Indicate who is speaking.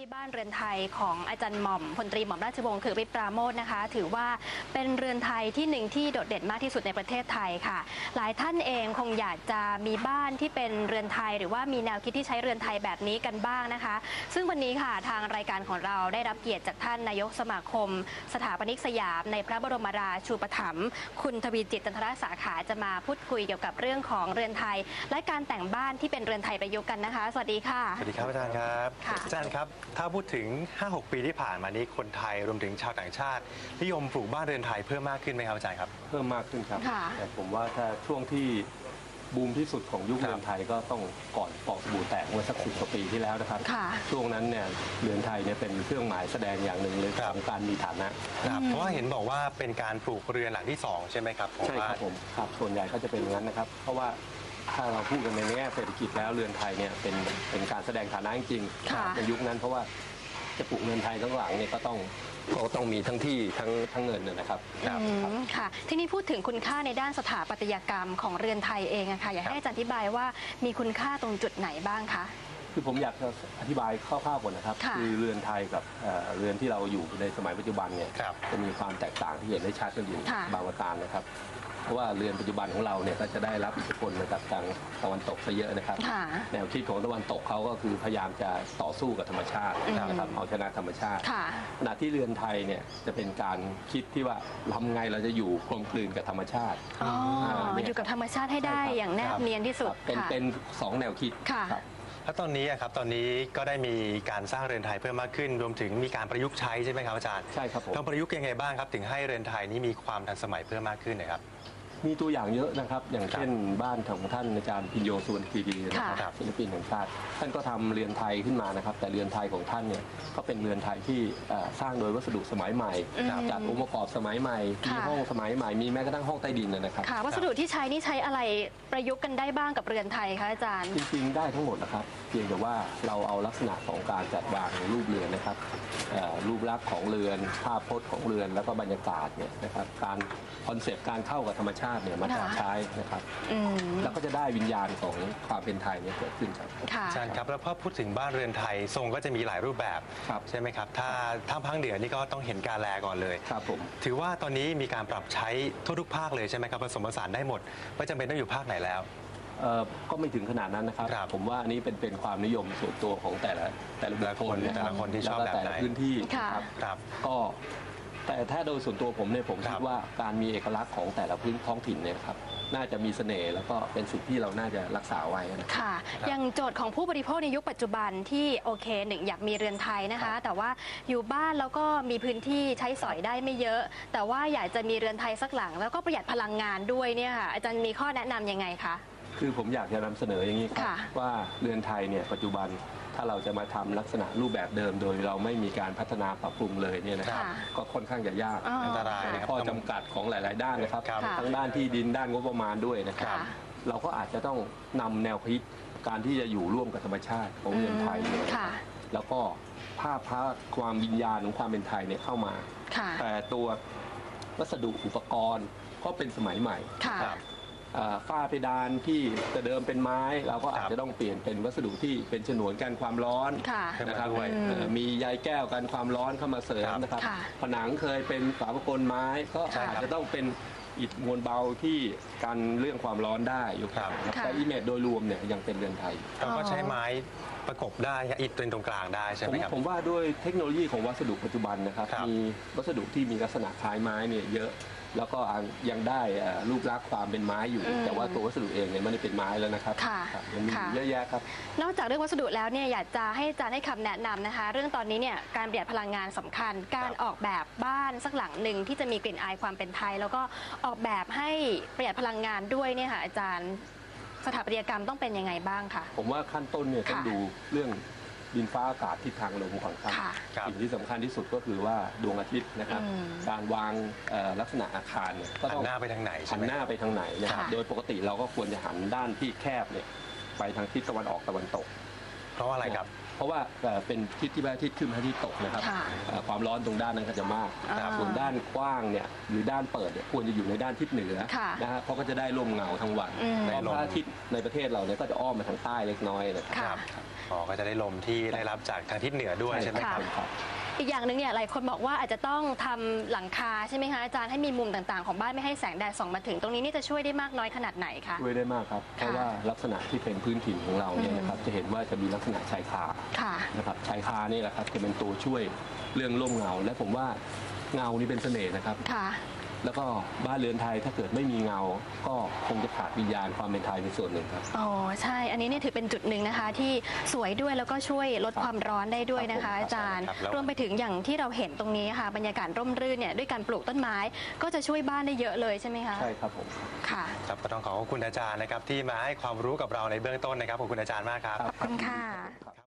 Speaker 1: บ้านเรือนไทยของอาจารย์หม่อมพลตรีหม่อมราชวงศ์คือฤทธิ์ปราโมชนะคะถือว่าเป็นเรือนไทยที่หนึ่งที่โดดเด่นมากที่สุดในประเทศไทยค่ะหลายท่านเองคงอยากจะมีบ้านที่เป็นเรือนไทยหรือว่ามีแนวคิดที่ใช้เรือนไทยแบบนี้กันบ้างนะคะซึ่งวันนี้ค่ะทางรายการของเราได้รับเกียรติจากท่านนายกสมาคมสถาปนิกสยามในพระบรมราชูปถัมภ์คุณทวีจิต จันทรสาขาจะมาพูดคุยเกี่ยวกับเรื่องของเรือนไทยและการแต่งบ้านที่เป็นเรือนไทยประยุกต์กันนะคะสวัสดีค่ะ
Speaker 2: สวัสดีครับอาจารย์ครับอาจารย์ครับถ้าพูดถึง 5-6 ปีที่ผ่านมานี้คนไทยรวมถึงชาวต่างชาตินิยมปลูกบ้านเรือนไทยเพิ่มมากขึ้นไหมครับอาจารย์ครับ
Speaker 3: เพิ่มมากขึ้นครับแต่ผมว่าถ้าช่วงที่บูมที่สุดของยุคเรือนไทยก็ต้องก่อนฟองสบู่แตกเมื่อสัก10 กว่าปีที่แล้วนะครับช่วงนั้นเนี่ยเรือนไทยเนี่ยเป็นเครื่องหมายแสดงอย่างหนึ่งเลยของการมีฐานะ
Speaker 2: เพราะว่าเห็นบอกว่าเป็นการปลูกเรือนหลังที่2ใช่ไหมครับ
Speaker 3: ใช่ครับผมครับส่วนใหญ่ก็จะเป็นอย่างนั้นนะครับเพราะว่าถ้าเราพูดกันในแง่เศรษฐกิจแล้วเรือนไทยเนี่ยเป็นการแสดงฐานะจริงในยุคนั้นเพราะว่าจะปลูกเรือนไทยทั้งหลังเนี่ยก็ต้องมีทั้งที่ทั้งเงินนะครับ
Speaker 1: ค่ะที่นี่พูดถึงคุณค่าในด้านสถาปัตยกรรมของเรือนไทยเองค่ะอยากให้อาจารย์อธิบายว่ามีคุณค่าตรงจุดไหนบ้างคะ
Speaker 3: คือผมอยากจะอธิบายคร่าวๆก่อนนะครับคือเรือนไทยกับเรือนที่เราอยู่ในสมัยปัจจุบันเนี่ยจะมีความแตกต่างที่เห็นได้ชัดกันอยู่บางประการนะครับเพราะว่าเรือนปัจจุบันของเราเนี่ยก็จะได้รับอิทธิพลมาจากทางตะวันตกซะเยอะนะครับแนวคิดของตะวันตกเขาก็คือพยายามจะต่อสู้กับธรรมชาตินะครับเอาชนะธรรมชาติขณะที่เรือนไทยเนี่ยจะเป็นการคิดที่ว่าทำไงเราจะอยู่กลมกลืนกับธรรมชาติ
Speaker 1: อยู่กับธรรมชาติให้ได้อย่างแนบเนียนที่สุด
Speaker 3: เป็น2 แนวคิด
Speaker 2: แล้วตอนนี้ครับตอนนี้ก็ได้มีการสร้างเรือนไทยเพิ่มมากขึ้นรวมถึงมีการประยุกต์ใช้ใช่ไหมครับอาจารย์
Speaker 3: ใช่ครับผม
Speaker 2: ต้องประยุกต์ยังไงบ้างครับถึงให้เรือนไทยนี้มีความทันสมัยเพิ่มมากขึ้นนะครับ
Speaker 3: มีตัวอย่างเยอะนะครับอย่างเช่นบ้านของท่านอาจารย์พิญโยสุวรรณคีรีนะครับศิลปินแห่งชาติท่านก็ทำเรือนไทยขึ้นมานะครับแต่เรือนไทยของท่านเนี่ยก็เป็นเรือนไทยที่สร้างโดยวัสดุสมัยใหม่จากองค์ประกอบสมัยใหม่มีห้องสมัยใหม่มีแม้กระทั่งห้องใต้ดินนะครับ
Speaker 1: วัสดุที่ใช้นี่ใช้อะไรประยุกต์กันได้บ้างกับเรือนไทยคะอาจารย์
Speaker 3: จริงๆได้ทั้งหมดนะครับเพียงแต่ว่าเราเอาลักษณะของการจัดวางรูปเรือนนะครับรูปลักษณ์ของเรือนภาพพจน์ของเรือนแล้วก็บรรยากาศเนี่ยนะครับการคอนเซปต์การเข้ากับธรรมชาติเนี่ยมาใช้นะครับแล้วก็จะได้วิญญาณของความเป็นไทยเนี่ยเกิดขึ้นครับ
Speaker 2: อาจารย์ครับแล้วพอพูดถึงบ้านเรือนไทยทรงก็จะมีหลายรูปแบบใช่ไหมครับถ้าภาคเหนือนี่ก็ต้องเห็นกาแลก่อนเลย
Speaker 3: ครับผม
Speaker 2: ถือว่าตอนนี้มีการปรับใช้ทั่วทุกภาคเลยใช่ไหมครับผสมผสานได้หมดไม่จำเป็นต้องอยู่ภาคไหนแล้ว
Speaker 3: ก็ไม่ถึงขนาดนั้นนะครับผมว่าอันนี้เป็นความนิยมส่วนตัวของแต่ละบุคคล
Speaker 2: แต่ละคนที่ชอบแบบไหน
Speaker 3: พื้นที่ครับก็แต่ถ้าโดยส่วนตัวผมเนี่ยผมคิดว่าการมีเอกลักษณ์ของแต่ละพื้นท้องถิ่นเนี่ยครับน่าจะมีเสน่ห์แล้วก็เป็นสิ่งที่เราน่าจะรักษาไว้
Speaker 1: ค่ะอย่างโจทย์ของผู้บริโภคในยุคปัจจุบันที่โอเคหนึ่งอยากมีเรือนไทยนะคะแต่ว่าอยู่บ้านแล้วก็มีพื้นที่ใช้สอยได้ไม่เยอะแต่ว่าอยากจะมีเรือนไทยสักหลังแล้วก็ประหยัดพลังงานด้วยเนี่ยค่ะอาจารย์มีข้อแนะนํำยังไงคะ
Speaker 3: คือผมอยากจะนำเสนออย่างนี้ครับว่าเรือนไทยเนี่ยปัจจุบันถ้าเราจะมาทำลักษณะรูปแบบเดิมโดยเราไม่มีการพัฒนาปรับปรุงเลยเนี่ยนะครับก็ค่อนข้างจะยาก
Speaker 2: อันตราย
Speaker 3: ข้อจำกัดของหลายๆด้านนะครับทั้งด้านที่ดินด้านงบประมาณด้วยนะครับเราก็อาจจะต้องนำแนวคิดการที่จะอยู่ร่วมกับธรรมชาติของเรือนไทยเนี่ยแล้วก็ภาพความวิญญาณของความเป็นไทยเนี่ยเข้ามาแต่ตัววัสดุอุปกรณ์ก็เป็นสมัยใหม่ฝ้าเพดานที่จะเดิมเป็นไม้เราก็อาจจะต้องเปลี่ยนเป็นวัสดุที่เป็นฉนวนกันความร้อนนะครับมีใยแก้วกันความร้อนเข้ามาเสริมนะครับผนังเคยเป็นฝาประกลไม้ก็อาจจะต้องเป็นอิฐมวลเบาที่กันเรื่องความร้อนได้อยู่ครับแต่อิเมจโดยรวมเนี่ยยังเป็นเรือนไทย
Speaker 2: เราก็ใช้ไม้ประกบได้อิฐตรงกลางได้ใช่ไหมครับ
Speaker 3: ผมว่าด้วยเทคโนโลยีของวัสดุปัจจุบันนะครับมีวัสดุที่มีลักษณะคล้ายไม้เนี่ยเยอะแล้วก็ยังได้รูปลักษณ์ความเป็นไม้อยู่แต่ว่าตัววัสดุเองเนี่ยไม่ได้เป็นไม้แล้วนะครับมันมีเยอะแยะครับ
Speaker 1: นอกจากเรื่องวัสดุแล้วเนี่ยอยากจะให้อาจารย์ให้คำแนะนำนะคะเรื่องตอนนี้เนี่ยการประหยัดพลังงานสำคัญการออกแบบบ้านสักหลังหนึ่งที่จะมีกลิ่นอายความเป็นไทยแล้วก็ออกแบบให้ประหยัดพลังงานด้วยเนี่ยค่ะอาจารย์สถาปัตยกรรมต้องเป็นยังไงบ้างคะ
Speaker 3: ผมว่าขั้นต้นเนี่ยต้องดูเรื่องดินฟ้าอากาศทิศทางลมก่อนครับสิ่งที่สำคัญที่สุดก็คือว่าดวงอาทิตย์นะครับการวางลักษณะอาคารเนี่ย
Speaker 2: ก็ต้องหันหน้าไปทางไหน
Speaker 3: หันหน้าไปทางไหนนะครับโดยปกติเราก็ควรจะหันด้านที่แคบเนี่ยไปทางทิศตะวันออกตะวันตก
Speaker 2: เพราะว่าอะไรครับ
Speaker 3: เพราะว่าเป็นทิศที่พระอาทิตย์ขึ้นพระอาทิตย์ตกนะครับ
Speaker 1: ค่ะ
Speaker 3: ความร้อนตรงด้านนั้นก็จะมาก
Speaker 1: อ่า
Speaker 3: ส่วนด้านกว้างเนี่ยหรือด้านเปิดเนี่ยควรจะอยู่ในด้านทิศเหนือ
Speaker 1: ค่ะ
Speaker 3: นะฮะเพราะก็จะได้ร่มเงาทั้งวัน
Speaker 1: อืม
Speaker 3: เพราะพระอาทิตย์ในประเทศเราเนี่ยก็จะอ้อมมาทางใต้เล็กน้อยนะครับ
Speaker 1: ค่ะ
Speaker 2: อ๋อก็จะได้ลมที่ได้รับจากทางทิศเหนือด้วยใช่ไหมครับ
Speaker 1: ค่ะ อีกอย่างหนึ่งเนี่ยหลายคนบอกว่าอาจจะต้องทำหลังคาใช่ไหมคะอาจารย์ให้มีมุมต่างๆ ของบ้านไม่ให้แสงแดดส่องมาถึงตรงนี้นี่จะช่วยได้มากน้อยขนาดไหนคะ
Speaker 3: ช่วยได้มากครับ เพราะว่าลักษณะที่เป็นพื้นถิ่นของเราเนี่ยนะครับจะเห็นว่าจะมีลักษณะชายคา
Speaker 1: ค่ะ
Speaker 3: นะครับชายคานี่แหละครับจะเป็นตัวช่วยเรื่องร่มเงา และผมว่าเงานี่เป็นเสน่ห์นะครับ
Speaker 1: ค่ะ
Speaker 3: แล้วก็บ้านเรือนไทยถ้าเกิดไม่มีเงา ก็คงจะขาดวิญญาณความเป็นไทยในส่วนหนึ่งครับ
Speaker 1: อ๋อใช่ อันนี้เนี่ยถือเป็นจุดหนึ่งนะคะ ที่สวยด้วยแล้วก็ช่วยลดความร้อนได้ด้วยนะคะ
Speaker 3: ครับผม
Speaker 1: อาจารย์
Speaker 2: ครับแล้ว
Speaker 1: รวมไปถึงอย่างที่เราเห็นตรงนี้ค่ะบรรยากาศร่มรื่นเนี่ยด้วยการปลูกต้นไม้ ก็จะช่วยบ้านได้เยอะเลยใช่ไหมคะ
Speaker 3: ใช่ครับผม
Speaker 1: ค่ะ
Speaker 2: ครับก็ต้องขอบคุณอาจารย์นะครับที่มาให้ความรู้กับเราในเบื้องต้นนะครับขอบคุณอาจารย์มากครับ
Speaker 1: ขอบคุณค่ะ